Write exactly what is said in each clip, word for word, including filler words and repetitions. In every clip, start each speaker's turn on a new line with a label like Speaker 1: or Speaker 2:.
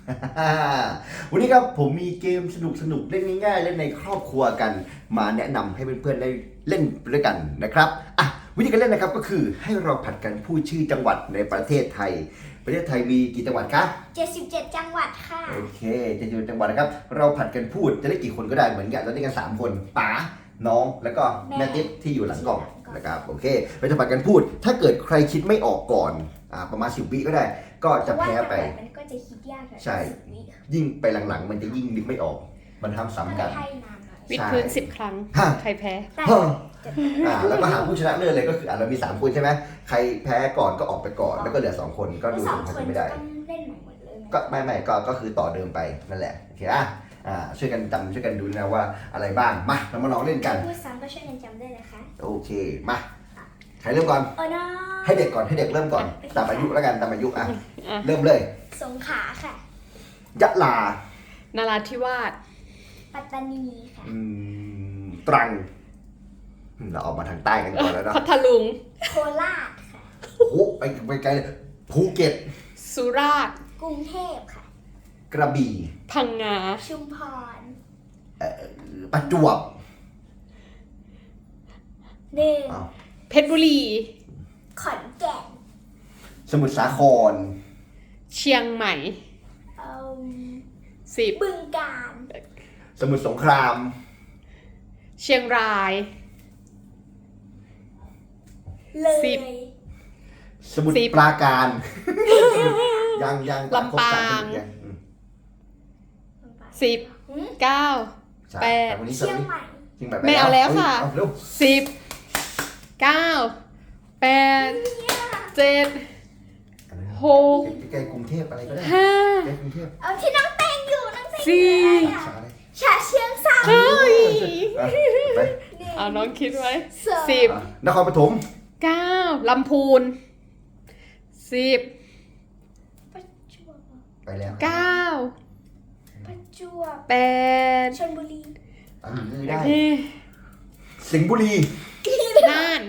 Speaker 1: วันนี้ครับผมมีเกมสนุกสนุกเล่นง่ายๆเล่นในครอบครัวกันมาแนะนำให้เพื่อนๆได้เล่นด้วยกันนะครับอ่ะวิธีการเล่นนะครับก็คือให้เราผัดกันพูดชื่อจังหวัดในประเทศไทยประเทศไทยมีกี่จังหวัดคะ
Speaker 2: เจ็ดสิบเจ็ดจังหวัดค่ะ
Speaker 1: โอเคเจ็ดสิบเจ็ดจังหวัดนะครับเราผัดกันพูดจะได้กี่คนก็ได้เหมือนกันเราได้กันสามคนป๋าน้องแล้วก็แม่ติ๊บที่อยู่หลังกล่องนะครับโอเคเราจะผัดกันพูดถ้าเกิดใครคิดไม่ออกก่อนอ่าประมาณสิบวิก็ได้ก็จะแพ้ไป
Speaker 2: มันก็จะคิดยาก
Speaker 1: ใช่ยิ่งไปหลังๆมันจะยิ่งนึกไม่ออกมันทำซ้ำกัน
Speaker 3: วิดพื้นสิบครั้งใครแพ้
Speaker 1: อ่าแล้วก็หาผู้ชนะเลิศเลยก็คืออ่าเรามีสามคนใช่ไหมใครแพ้ก่อนก็ออกไปก่อนแล้วก็เหลือสองคนก็ดูถึงใครจะไม่ได้ก็ไม่ไม่ก็ก็คือต่อเดิมไปนั่นแหละโอเคอ่ะอ่าช่วยกันจำช่วยกันดูนะว่าอะไรบ้างมาเรามาลองเล่นกัน
Speaker 2: พูดซ้ำก็ช่วยกันจำได้นะคะ
Speaker 1: โอเคมาใครเริ่มก่อนให้เด็กก่อนให้เด็กเริ่มก่อนตามอายุแล้วกันตามอายุอ่ะเริ่มเลย
Speaker 2: สงขลาค่ะ
Speaker 1: ยะลา
Speaker 3: นาราธิวาส
Speaker 2: ปัตตานีค่ะ
Speaker 1: ตรังเราออกมาทางใต้กันก่อนแล้วเนาะ
Speaker 3: พัทลุง
Speaker 2: โคราชค่ะ
Speaker 1: โอ้โหไปไปไกลภูเก็ต
Speaker 3: สุราษฎร์
Speaker 2: กรุงเทพค่ะ
Speaker 1: กระบี่
Speaker 3: พังงา
Speaker 2: ชุมพร
Speaker 1: ประจวบ
Speaker 2: หนึ่ง
Speaker 3: เพชรบุรี
Speaker 2: ขอนแก่น
Speaker 1: สมุทรสาคร
Speaker 3: เชียงใหม่สิบ
Speaker 2: บึงกาฬ
Speaker 1: สมุทรสงคราม
Speaker 3: เชียงราย
Speaker 2: เลย
Speaker 1: สมุทรปราการยังยัง
Speaker 3: ลำปางสิบเก้าแปด
Speaker 2: เชียงใหม่
Speaker 3: ไม่เอาแล้วค่ะสิบเก้าแปดเจ็ดหก
Speaker 1: ใกล้กรุงเทพอะไรก็ได้
Speaker 3: ห้า
Speaker 1: ใกล้กรุงเทพ
Speaker 2: เอาที่น้องเต้งอยู่น้องเต้ง
Speaker 3: สี่
Speaker 2: ฉะเชิงเทรา
Speaker 3: เฮ้ยเอาน้องคิดไว้สิบ
Speaker 1: นครปฐม
Speaker 3: เก้าลำพูนสิบ
Speaker 1: ไปแล้ว
Speaker 3: เก้า
Speaker 2: ประจวบ
Speaker 3: แปด
Speaker 2: ชลบุรี
Speaker 1: ได้สิงห์บุรี
Speaker 3: น่าน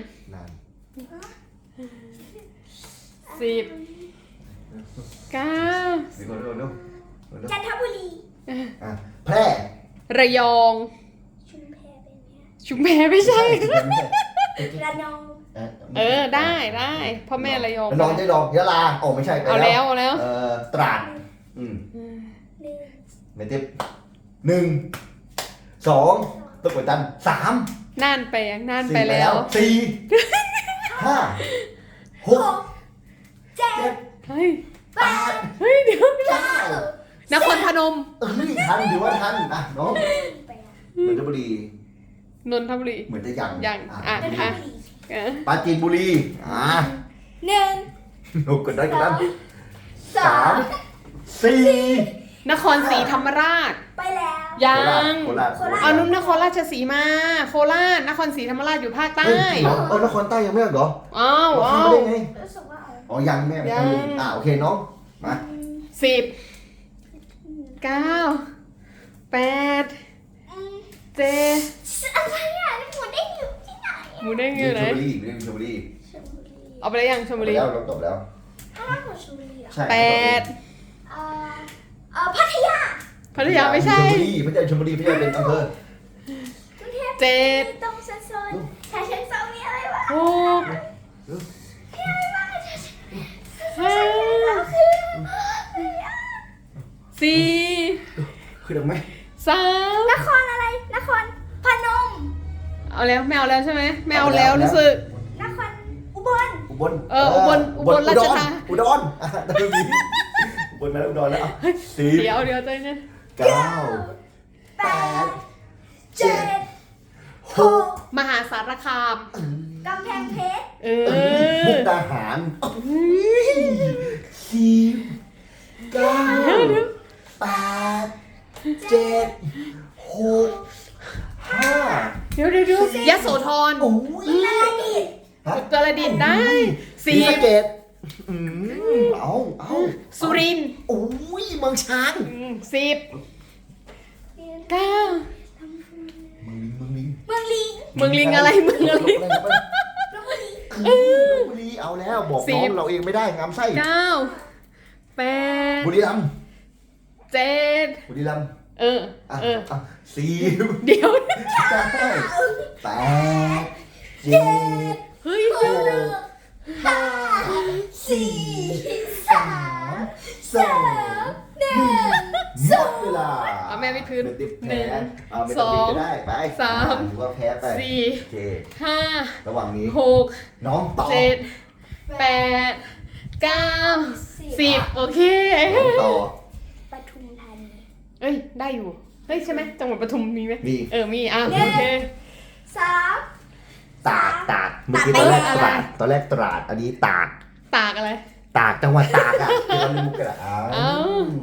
Speaker 3: สิบเก้า
Speaker 2: จันทบุรี
Speaker 1: แพร่
Speaker 3: ระยอง
Speaker 2: ชุมแพเป็นไง
Speaker 3: ชุมแพไม่ใช่
Speaker 2: ระนอง
Speaker 3: เออได้ได้พ่อแม่ระยอง
Speaker 1: ระนองได้ดองยะลาโอ้ไม่ใช่
Speaker 3: เอาแล้วเอาแล้ว
Speaker 1: เออตราดอืมไม่ติดหนึ่งสองตะกวดจันสาม
Speaker 3: น่านไปยังน่านไปแล้ว
Speaker 1: สี่ห้าหก
Speaker 2: เจ็ด
Speaker 3: เฮ้ย
Speaker 2: แปด
Speaker 3: เฮ้ยเดี๋ยวเก้านครพนม
Speaker 1: เออทันถือว่าทันอ่ะน้องนนทบุรี
Speaker 3: นนทบุรี
Speaker 1: เหมือนจะยัง
Speaker 3: ยังอ่ะอ่ะ
Speaker 1: ปราจีนบุรีอ่า
Speaker 2: หนึ่ง
Speaker 1: โอ้กดได้กดได้สามสี่
Speaker 3: นครศรีธรรมราช
Speaker 2: ไปแล้ว
Speaker 3: ยังเอานุ่มนครราชสีมาโคราชนครศรีธรรมราชอยู่ภาคใต้
Speaker 1: เออนครใต้ยังไม่เหรอ
Speaker 3: อ้าวอ้าว
Speaker 1: อ๋อยังแม่อ่าโอเคน้องมา
Speaker 3: สิบเก้าแปดเจ็ด
Speaker 2: อะไรอ่ะนี่หมูเด้งอยู่ที่ไหน
Speaker 3: หมูเด้งอยู่ไหน
Speaker 1: ชลบุรีเรื่องชลบุรี
Speaker 3: เอาไปได้ยังชลบุรี
Speaker 1: แล้วเราจบแล้ว
Speaker 2: ถ้าเราชลบุรีอ่ะ
Speaker 3: แปด
Speaker 2: เอ่อเอ่อพัทยา
Speaker 3: พัทยาไม่ใช่
Speaker 1: ชลบุรีไม่ใช่ชลบุรีไม่ใช่เป็นอำเภอ
Speaker 3: เจ็ด
Speaker 2: ตรงโซนฉะเชิงเทรามีอะไรวะ
Speaker 3: หก
Speaker 2: มีอะไรบ้าง
Speaker 3: ห้าสี่
Speaker 1: คือได้ไหม
Speaker 3: สาม
Speaker 2: นครอะไรนครพนม
Speaker 3: เอาแล้วไม่เอาแล้วใช่ไหมไม่เอาแล้วรู้สึก
Speaker 2: นครอุบล
Speaker 1: อุบล
Speaker 3: เอออุบลอุบลราชธานี
Speaker 1: อุดรตะลุยอุบลมาแล้วอุดรแล้วสี่
Speaker 3: เดี๋ยวเดี๋ยวใจเนี่ย
Speaker 1: เก้า
Speaker 2: แปดเจ็ดหก
Speaker 3: มหาสารคาม
Speaker 2: กำแพงเพชร
Speaker 3: เออ
Speaker 1: มุกดาหารสี่เก้าแปดเจ็ดหกห้า
Speaker 3: เดี๋ยวเดี๋ยวเดี๋ยวยโสธร
Speaker 1: โอ้ย
Speaker 2: กระดิ่ง
Speaker 3: กระดิ่งได้
Speaker 1: สี่เกตเอาเอา
Speaker 3: สุรินทร์
Speaker 1: โอ้ยเมืองช้าง
Speaker 3: สิบเก้า
Speaker 1: เมืองลิง
Speaker 2: เมืองลิง
Speaker 3: เมืองลิงอะไรเมืองอะไร
Speaker 1: ลพบุรีเอาแล้วบอกน้องเราเองไม่ได้งามไส้
Speaker 3: เก้าแปด
Speaker 1: บุรีรัมย์
Speaker 3: เจ็ด
Speaker 1: บุรีรัมย์
Speaker 3: เออ
Speaker 1: อ่ะ
Speaker 3: เออ
Speaker 1: อ่ะสี่
Speaker 3: เดี๋ยว
Speaker 1: เก้าแปดเจ็ด
Speaker 3: เฮ้ย
Speaker 1: หกห้าสี่สามสองหนึ่งหมดเวลา
Speaker 3: เอาแม่วิดพื้น
Speaker 1: หนึ่งติด
Speaker 3: ห
Speaker 1: แพ้
Speaker 3: นึ่ง
Speaker 1: เอาไม่ต้องติดก็ได้ไป
Speaker 3: สาม
Speaker 1: ถือว่าแพ้ไป
Speaker 3: สี่
Speaker 1: โอเค
Speaker 3: ห้า
Speaker 1: ระหว่างนี้
Speaker 3: หก
Speaker 1: น้องต่อ
Speaker 3: เจ็ดแปดเก้าสิบโอเค
Speaker 1: น้องต่อ
Speaker 2: ปทุมธานี
Speaker 3: เอ้ย ได้อยู่ เฮ้ย ใช่ไหมจังหวัดปทุมมีไหม
Speaker 1: มี
Speaker 3: เออ มี อ่ะ โอเค
Speaker 2: สาม
Speaker 1: ตากตากเมื่อกี้ตอนแรกตราดตอนแรกตราดอันนี้ตาก
Speaker 3: ตากอะไร
Speaker 1: ตากจังหวัดตากอ่ะที่เราเล่นมุกกันอ่ะอ้าว
Speaker 3: เอ้า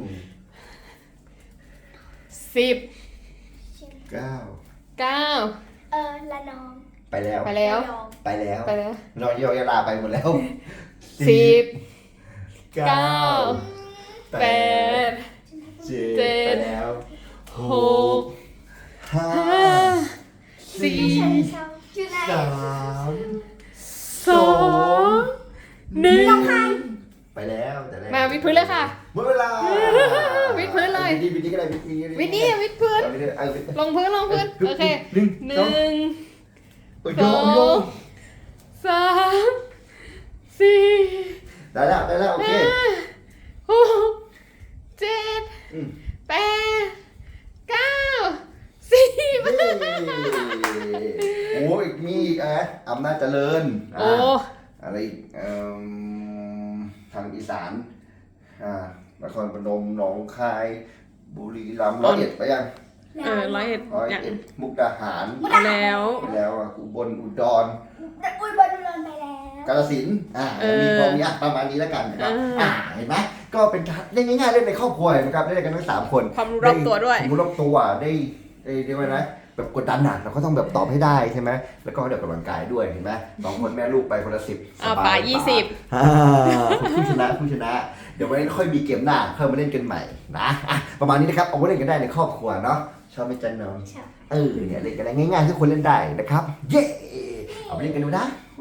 Speaker 3: สิบ
Speaker 1: เก้า
Speaker 3: เก้า
Speaker 2: เออละนอง
Speaker 1: ไปแล้ว
Speaker 3: ไปแล้ว
Speaker 2: ระยอง
Speaker 1: ไปแล้ว
Speaker 3: ไปแล้ว
Speaker 1: น้องยอยาลาไปหมดแล้ว
Speaker 3: สิบ
Speaker 1: เก้า
Speaker 3: เก้า
Speaker 1: แป
Speaker 3: แป
Speaker 1: ด
Speaker 3: ด
Speaker 1: เจ็
Speaker 3: เจ็
Speaker 1: ด
Speaker 3: ด
Speaker 1: ไปแล้วห
Speaker 3: ห
Speaker 1: ก
Speaker 3: ก
Speaker 1: ห้า
Speaker 3: ห้า สี่
Speaker 2: ใช่ใช่อยู่ไหน
Speaker 1: สาม
Speaker 3: สองหนึ่ง
Speaker 1: ไปแล้วแต่แรก
Speaker 3: มาวิดพื้นเลยค่ะ
Speaker 1: หมดเวลา
Speaker 3: วิดพื้นเลย
Speaker 1: วิดวิดก็ได้วิดวิด
Speaker 3: วิดนี่วิดพื้น
Speaker 1: วิดเอาวิด
Speaker 3: ลงพื้นลงพื้น โอเค
Speaker 1: หนึ่ง
Speaker 3: ห
Speaker 1: สอง
Speaker 3: นึ่ง
Speaker 1: โอ้ย
Speaker 3: ส
Speaker 1: โย
Speaker 3: อง
Speaker 1: โย
Speaker 3: สามสี่
Speaker 1: ได้แล้วได้แล้วโอเค
Speaker 3: ห้าหกเจ็ด
Speaker 1: อืม
Speaker 3: แปดเก้าสิบ
Speaker 1: เย้โอ้ยมีอีกอ่ะอำนาจเจริญอ่ะ
Speaker 3: โอ้
Speaker 1: อะไรอีกเอิ่มทางอีสานอ่านครพนมหนองคาย บุรีรัมย์ร้อยเอ็ดไปยัง
Speaker 3: เออร้อยเอ็ด
Speaker 1: ร้อย
Speaker 3: อย่าง
Speaker 1: เอ็ดมุกดาหาร
Speaker 3: เอาแล้ว
Speaker 1: ไปแล้วอ่ะอุบลอุดร
Speaker 2: อุ้ยบอลลูนไปแล้ว
Speaker 1: กาฬสินธุ์อ่า
Speaker 3: เออ
Speaker 1: มีพอมีอ่ะประมาณนี้แล้วกันนะครับ
Speaker 3: เอออ่
Speaker 1: อ่าเห็นไหมก็เป็นการเล่นง่ายๆเล่นในครอบครัวนะครับเล่นกันทั้งสามคน
Speaker 3: ความรู้รอบตัวด้วย
Speaker 1: ความรู้รอบตัวได้ได้เรียกว่านะแบบกดดันหนักเราก็ต้องแบบตอบให้ได้ใช่ไหมแล้วก็เดี๋ยวกำลังกายด้วยเห็นไหมสองคนแม่ลูกไปคนละสิบ
Speaker 3: อ่า
Speaker 1: สบ
Speaker 3: ป่ายี่สิบ
Speaker 1: อ่าผู้ชนะผู้ชนะ เดี๋ยววันนี้ค่อยมีเกมหน้าค่อยมาเล่นกันใหม่นะอ่ะประมาณนี้นะครับเอาไว้เล่นกันได้ในครอบครัวเนาะชอบไหมจันน้อง
Speaker 2: ใช่
Speaker 1: เออเนี่ยเล่นกันได้ง่ายๆทุกคนเล่นได้นะครับ เย้เอาไปเล่นกันดูนะ